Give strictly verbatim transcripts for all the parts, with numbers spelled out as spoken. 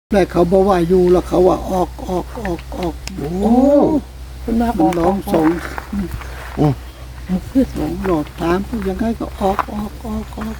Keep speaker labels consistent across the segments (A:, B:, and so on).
A: แต่เขาบอกว่าอยู่แล้วเขาว่าออกออกออกออกโอ้
B: คุณมาบ
A: มั
B: อน ก
A: ร้องสอง
B: คือ
A: สองหลอดถามยังไงก็ออกออกออกออก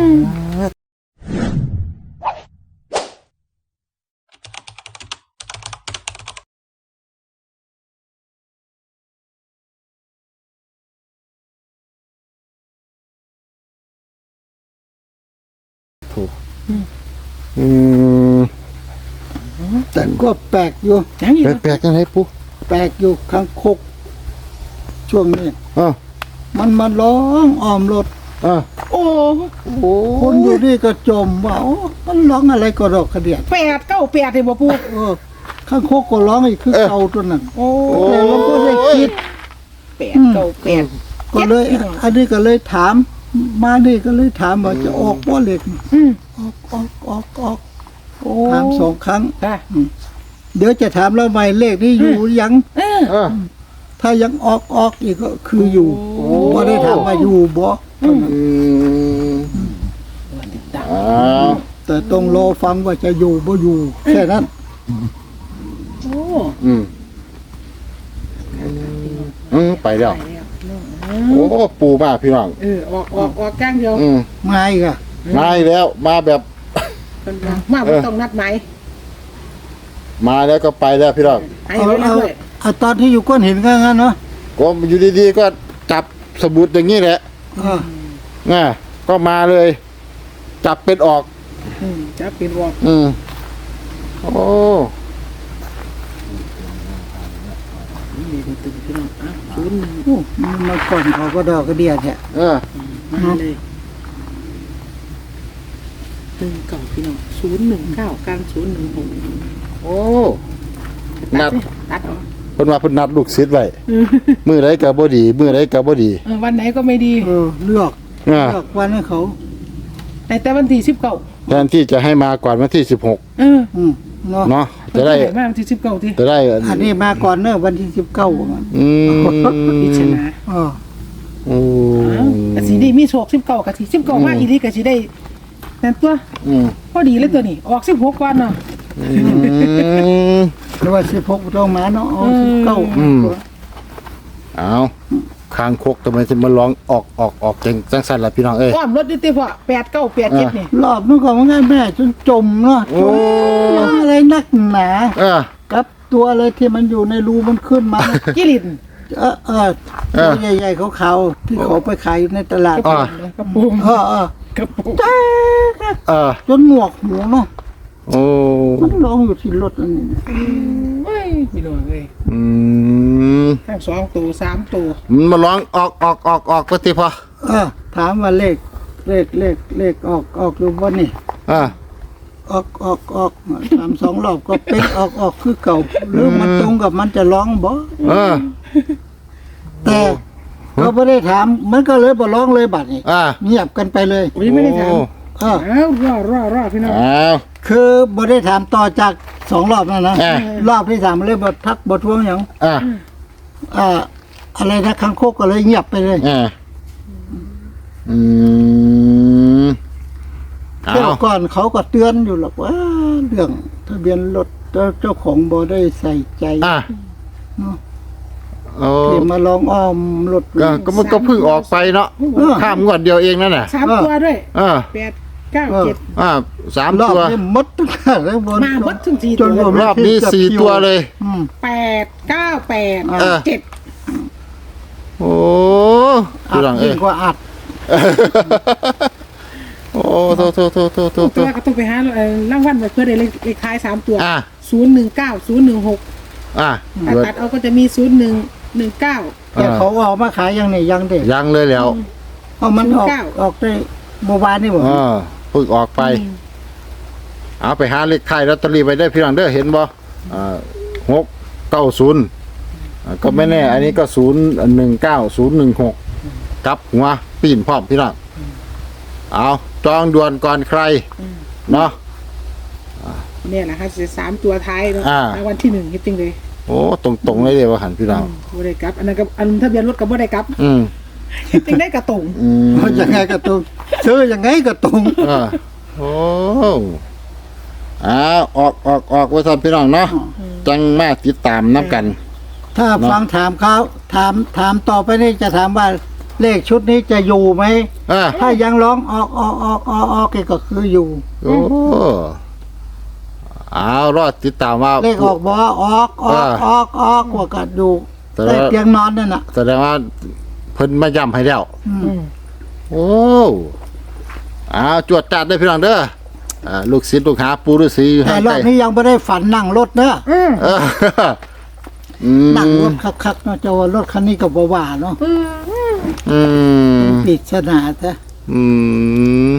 C: ถูกอืม
A: แต่ก็แปลกอยู่
B: ยังอยู่
C: แปลกๆยังไงปุ๊
A: แปลกอยู่ข้างคกช่วงนี้
C: อ่า
A: มันมาร้องอ้อมรถ
C: อ่า
B: โอ้
C: โอ้
A: คนอยู่นี่ก็จมว่าโอ้มันร้องอะไรก็ดอกกระเดียด
B: แปดเก้าแปดเลยบ่ปู
A: เออข้างคกก็ร้องอีกคือเก่าตัวนั้น
B: โอ้
A: แต่เราก็ได้คิด
B: แปดเก้าแปด
A: ก็เลย อันนี้ก็เลยถาม มานี่ก็เลยถามว่าจะออกบ่เหล็ก
B: อืม
A: ออกออกออกออก
B: โอ้
A: ถามสองครั้ง
B: ค่ะ
A: เดี๋ยวจะถามเราใหม่เลขนี้อยู่ยัง
B: เออ
C: อ่า
A: ถ้ายังออกออกอีกก็คืออยู่
B: โอ้
A: บ่ได้ถามว่าอยู่บ่
C: อืม
B: ดัง
C: อ้าว
A: แต่ต้องรอฟังว่าจะอยู่บ่อยู่แค่นั้น
B: โอ้
C: อืมอืมไปแล้ว
B: ไปแล้ว
C: โอ้ปูมากพี่น้อง
B: เออออกออกออกก้างเดียว
C: อืม
A: มาอีกอ่ะ
C: มาอีกแล้วมาแบบ
B: คนมามาบ่ต้องนัดหมาย
C: มาแล้วก็ไปแล้วพี่น้อง
B: ให้
A: เอา
B: ไว้แล้ว
A: เอา
B: ด้วย
A: เอาตอนที่อยู่ก้อนหินก็งั้นเนาะ
C: ก็อยู่ดีๆก็จับสมุดอย่างนี้แหละ
A: เออ
C: น่ะก็มาเลย จับเป็นออก
B: อืมจะเป็นวอก
C: อืมโอ้
B: นี่ก็ตึงพี่น้องอ่ะศูนย์หนึ่ง
A: โอ้มันมาก่อนเขาก็ดอกกระเดียดแท้
C: เออ
B: มาเลยหนึ่งเก้าพี่น้องศูนย์หนึ่งเก้ากันศูนย์หนึ่งหก
C: โอ้นัด
B: ตัดออก
C: เพิ่นว่าเพิ่นนัดลูกศิษย์ไว้มือไรก็บ่ดีมือไรก็บ่ดี
B: เออวันไหนก็ไม่ดี
A: เออเลือก
C: อ่า
A: เลือกวันให้เขา
B: แต่แต่วันที่สิบเก้า
C: แทนที่จะให้มาก่อนวันที่สิบหก
B: เออ
A: อืมเนาะ
C: เนาะจะได้
B: มาวันที่สิบเก้าที่
C: จะได้
A: อันนี้มาก่อนเนอะวันที่สิบเก้ามัน
C: อืม
B: พิจารณา
A: เออ
C: โอ้
B: กะสีได้มีโชคสิบเก้ากะสีสิบเก้ามาอีดีกะสีได้นั่นตัว
C: อืม
B: พอดีเลยตัวนี้ ออกสิบหกวันเนาะ
C: อืม
A: หรือว่าสิบหกต้องมาเนาะเอาสิบเก้า
C: อืม เอาคางคกทำไมถึงมาร้องออกออกออกจังจังสั่นล่ะพี่น้องเอ้ย
B: อ้อมรถดิเต้พ่อแปดเก้าแปดเจ็ดนี่
A: รอบนู้นก็มันง่ายแม่จนจมเนาะจมร้องอะไรนักหนา
C: เออ
A: กับตัวอะไรที่มันอยู่ในรูมันขึ้นมา
B: กิริน
A: เออเออ
C: เออ
A: ตัวใหญ่ๆขาวๆที่เขาไปขายในตลาด
C: อ่า
B: กระปุก
A: เออเออก
B: ระปุก
A: แจ๊ก
C: เออ
A: จนหมวกหูเนาะ
C: โอ้
A: มันร้องอยู่ที่รถอันนี้
B: เฮ้ยพี่น้องเอ้ย
C: อืม
B: ทั้งสองตัวสามตัว
C: มันมาร้องออกออกออกออกปฏิพอ
A: เออถามว่าเลขเลขเลขเลขออกออกหรือว่านี่
C: อ่า
A: ออกออกออกสามสองรอบก็เป็นออกออกคือเก่าหรือมันตรงกับมันจะร้องบ่
C: เออ
A: แต่เขาไม่ได้ถามมันก็เลยบ่ร้องเลยบัดนี้
C: อ่า
A: เงียบกันไปเลย
B: โอ้ยไม่ได้ถาม
A: เออ
B: อ้าวรอรอรอพี่น้อง
C: อ้าว
A: คือบ่ได้ถามต่อจากสองรอบนั่นนะ
C: อ่า
A: รอบที่สามเลยบ่ทักบ่ทวงหยัง
C: อ่า
A: อ่าอะไรนะคังคกก็เลยเงียบไปเลย
C: อ่าอืมเอา
A: เดี๋ยวก่อนเขาก็เตือนอยู่หรอกว่าเรื่องทะเบียนรถเจ้าของบ่ได้ใส่ใจ
C: อ่า
A: เนาะ
C: โอ้
A: ที่มาลองอ้อมรถ
C: ก็ก็มันก็เพิ่งออกไปเนาะข้ามงวดเดียวเองนั่นน่ะ
B: สามตัวด้วย
C: เออ
B: แปดเก้าเจ็ด
C: อ่าสาม
A: รอบ
C: ตัว
A: นี้หมดทุกอย่างเลยบน
B: มาหมดถึงสี่
A: จ
B: ตั
A: น
B: ว
A: ผม
C: รอบนี้สี่ตัวเลย
A: อืม
B: แปดเก้าแปด
C: เออ
B: เจ็ด
C: โอ้
A: อั
C: ดู
A: ด
C: หลังเอ้
A: ยิ่
C: ย
A: งกว่าอัด
C: โอ้โทโทโทโทโทโท
B: ตัวก็ต้องไปหาเอ่อรางวัลไว้เพื่อได้เลขเลขท้ายสามตัว
C: อ่า
B: ศูนย์หนึ่งเก้าศูนย์หนึ่งหก
C: อ่า
B: ถ้าตัดเอาก็จะมีศูนย์หนึ่งหนึ่งเก้า
A: แต่เขาออกมาขายยังนี่ยังเด็ก
C: ยังเลยแล้ว
A: เอามันออก
B: เก้า
A: ออกได้เมื่อวานนี่บ่
C: เออเพิ่งออกไป เอาไปหาเลขไทายลอตเตอรี่ไปได้พี่น้องเด้อเห็นบ่อ่าหกเก้าศูนย์ก็ไม่แน่ อันนี้ก็ศูนย์หนึ่งเก้าศูนย์หนึ่งหกกลับหัวปีนพร้อมพี่น้องเอาจองด่วนก่อนใคร เนาะ
B: เนี่ยแหละค่ะสามตัวท้ายเนาะ
C: อ่า
B: รางวัลที่หนึ่งจริงๆเลย
C: โอ้ตรงตรงๆเลยเดี๋ยวว่าหันพี่น้อง
B: บ่ได้กลับ อันนั้นก็อันทะเบียนรถก็บ่ได้กลับ
C: อืม
B: จริงได้กระตรง
C: อืม
A: เอายังไงก็ตรงซื้อยังไงก็ตรง
C: เออโอ้อ้าวออกออกออกไว้ท่านพี่น้องเนาะจังมาติดตามน้ำกัน
A: ถ้า
C: เนาะ
A: ฟังถามเขาถามถามต่อไปนี่จะถามว่าเลขชุดนี้จะอยู่ไหม
C: อ่า
A: ถ้ายังร้องออกออกออกออกออกก็คืออยู่
C: โอ้เอารอดติดตามว่า
A: เลขออกบอกว่าออกออกออกออกว่าก็อยู่
C: แต่
A: เล
C: ว่า
A: ขเตียงนอนนั่นน่ะ
C: แสดงว่าเพิ่นมาย้ำให้แล้ว
A: อืม
B: อืม
C: โอ้เอาจวดจัดได้พี่น้องเด้ออ่าลูกศิษย์ลูกหาปูฤาษีอยู่
A: แต่
C: ทาง
A: รอ
C: ใต้
A: บนี้ยังไม่ได้ฝันนั่งรถเนอะ
B: อืม
C: เอออืม
A: นั่งรถคักๆเนาะจะว่ารถคันนี้ก็บ่ว่าเนาะ
C: อืม
A: ปริศนาซะ
C: อืม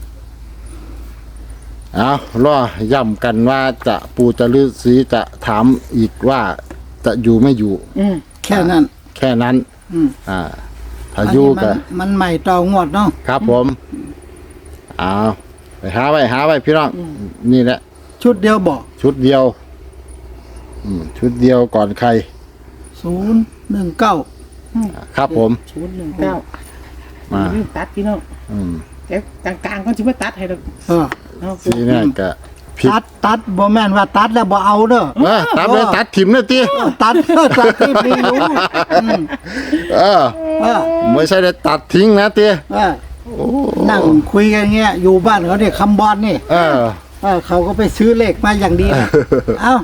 C: เอารอย้ำกันว่าจะปูจะฤาษีจะถามอีกว่าจะอยู่ไม่อยู่
B: อืม
A: แค่นั้น
C: แค่นั้น
A: อืม
C: อ่าถ้าอยู่
A: อัน
C: ก็
A: นี้มันมันใหม่ต่องวดเนาะ
C: ครับผมเอาไปหาไว้หาไว้พี่น้องนี่แหละ
A: ชุดเดียวบอก
C: ชุดเดียว อืมชุดเดียวก่อนใคร
A: ศูนย์หนึ่งเก้า
C: ครับผม
B: ศูนย์หนึ่งเก้า
C: มา
B: ลืมตัดพี่น้อง
C: อืม
B: แต่กลางๆก็จะมาตัดให้เรา
A: เออ
B: เอา
C: ทีนี้ก็ผิด
A: ตัดตัดบ่แม่นว่าตัดแล้วบ่เอาเด้อ
C: เออตัดเลยตัดถิ่มเลยตี
A: เออตัดตัดที่ไม่รู้อืม
C: เออ
A: เออ
C: ไม่ใช่ได้ตัดทิ้งนะตี
A: เออนั่งคุยกันเงี้ยอยู่บ้านเขาเนี่ยคำบอลนี่
C: เออ
A: เออเขาก็ไปซื้อเลขมาอย่างดีนะเอ้า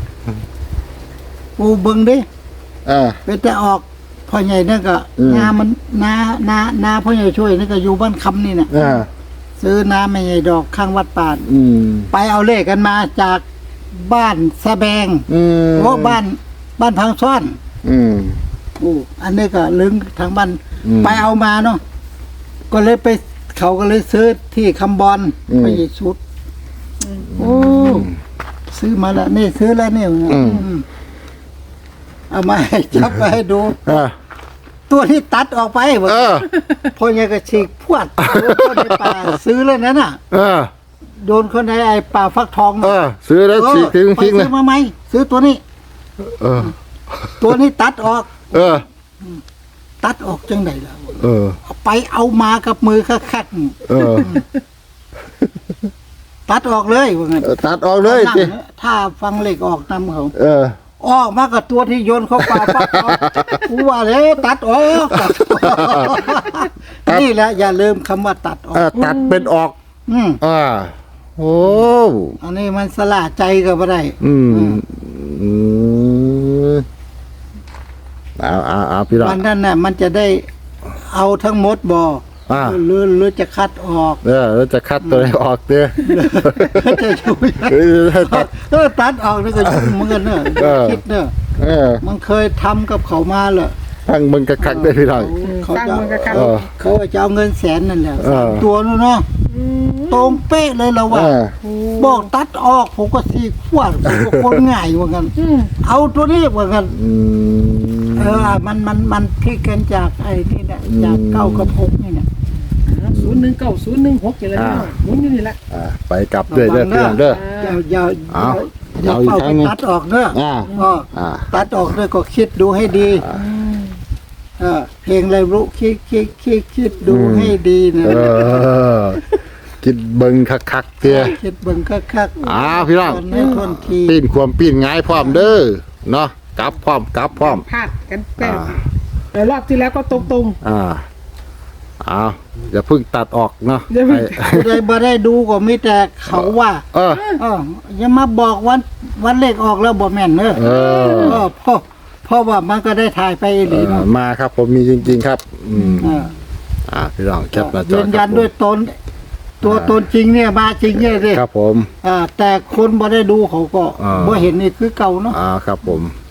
A: ปูเบิงดิ
C: เออ
A: ไปแต่ออกพ่อใหญ่นั่นก็
C: อืม
A: นามันนานานาพ่อใหญ่ช่วยนี่ก็อยู่บ้านคำนี่น่ะ
C: เออ
A: ซื้อน้ำไม่ใหญ่ดอกข้างวัดป่า
C: อืม
A: ไปเอาเลขกันมาจากบ้านสะแบง
C: อืม
A: โอ้บ้านบ้านพังซ่อน
C: อืม
A: โอ้อันนี้ก็ลึงทางบ้าน
C: อืม
A: ไปเอามาเนาะก็เลยไปเขาก็เลยซื้อที่คำบอล
C: อืม
A: ไปอีกชุดโอ้ซื้อมาแล้วนี่ซื้อแล้วนี่
C: อืม
A: อืมเอามาให้จับไปให้ดู
C: เออ
A: ตัวที่ตัดออกไป
C: เออ
A: พอยังก็ฉีกพวดโดนคนในป่าซื้อแล้วนั่นน่ะ
C: เออ
A: โดนคนในไอ้ป่าฟักทอง
C: เออ ซื้อแล้ว
A: เออ
C: ฉีกทิ้ง
A: ไป
C: ทิ้งเล
A: ซื้
C: ย
A: อมาไหมซื้อตัวนี้
C: เออ
A: ตัวนี้ตัดออก
C: เออ
A: ตัดออกจังไหนล่ะ
C: เออ
A: เอาไปเอามากับมือคัก
C: เออ
A: ๆตัดออกเลยว่างั้น
C: เออตัดออกเลย
A: นั่ง
C: สิ
A: นะถ้าฟังเลขออกนำเขา
C: เออ
A: ออกมากับตัวที่โยนเข้าป่าฟักทองกูว่าแล้วตัดออกตัดออกนี่แหละอย่าลืมคำว่าตัดออ
C: เอก อ ตัดเป็นออก
A: อืม
C: อ่า โอ้
A: อันนี้มันสละใจก็ไม่ได้
C: อืม อืมเอาเอาเอาพี่น้อง
A: วันนั้นน่ะมันจะได้เอาทั้งหมดบ่
C: อ่า
A: หรือหรือจะคัดออก
C: เออแล้วจะคัดตัวไหนออกเด้อ
A: จะช่วย
C: เออตัด
A: เออตัดออกนี่ก็ยุ่งเหมือนกันเนอะ
C: เออ
A: คิดเนอะ
C: เออ
A: มันเคยทำกับเขามาเหรอ
C: ตั้งมึงกระคักได้อพี่น้อง
A: เขา
B: ตั้ง
A: จะ
B: มือกับกัน
C: เออ
A: เขาจะเอาเงินแสนนั่นแหละ
C: เออ
A: สามตัวนู้นเนาะตรงเป๊ะเลยเราว่า
C: เออ
A: บอกตัดออกผมก็สีขวดผมก็คนง่ายว่ากัน
B: อืม
A: เอาตัวนี้ว่ากัน
C: อืม
A: เออมันมันมันพลิกกันจากไอ้นี่นะจาก
C: อืม
A: เก้ากับหกนี่นะ
B: ศูนย์หนึ่งเก้าศูนย์หนึ่งหกอย่างไร
C: อ่า
B: หมุนอยู่นี่แหละ
C: อ่าไปกลับด้วยเด้อพี่น้องเด้อ
A: อย่าอย่า
C: เอา
A: อย่า
C: เอาอีก
A: เป้า
C: ครั้
A: ไป
C: งหนึ่ง
A: ตัดออกเนอะ
C: อ่า
A: ก็
C: อ่า
A: ตัดออกด้วยก็คิดดูให้ดีเออเพลงอะไรรู้คิดคิดคิดคิดดูให้ดีนะ
C: เออ คิดเบิ่งคักๆเตี้ย
A: คิดเบิ่งคักๆ
C: อ้าวพี่น้อง
A: ตให้ทนที
C: ปีนความปีนง่ายพร้อมเด้อ เนาะกลับพร้อมกลับพร้อม
B: พลาดกันแต่
C: อ่า
B: แต่รอบที่แล้วก็ตรง
C: อ่าอ้าวอย่าเพิ่งตัดออกเนาะ
B: อย่าเพิ่ง
C: ให้
A: ผู้ใดบ่ได้ดูก็มีแต่เขาว่า
C: เออ
A: เอออย่ามาบอกวันวันเลขออกแล้วบ่แม่นเนอะ
C: เออ
A: เออเพราะเพราะว่ามันก็ได้ถ่ายไปอีหลี
C: เออ
A: เนาะ
C: มาครับผมมีจริง ๆ ครับ อืม
A: เออ
C: อ่าพี่น้องแคปหน้าจอ
A: ยืนยัน
C: ครับผม
A: ด้วยตน ตัวตนจริงเนี่ยมาจริงเนี่ยสิ
C: ครับผม
A: อ่าแต่คนบ่ได้ดูเขาก็
C: อ่า
A: บ่เห็นนี่คือเก่าเนาะ
C: อ่าครับผม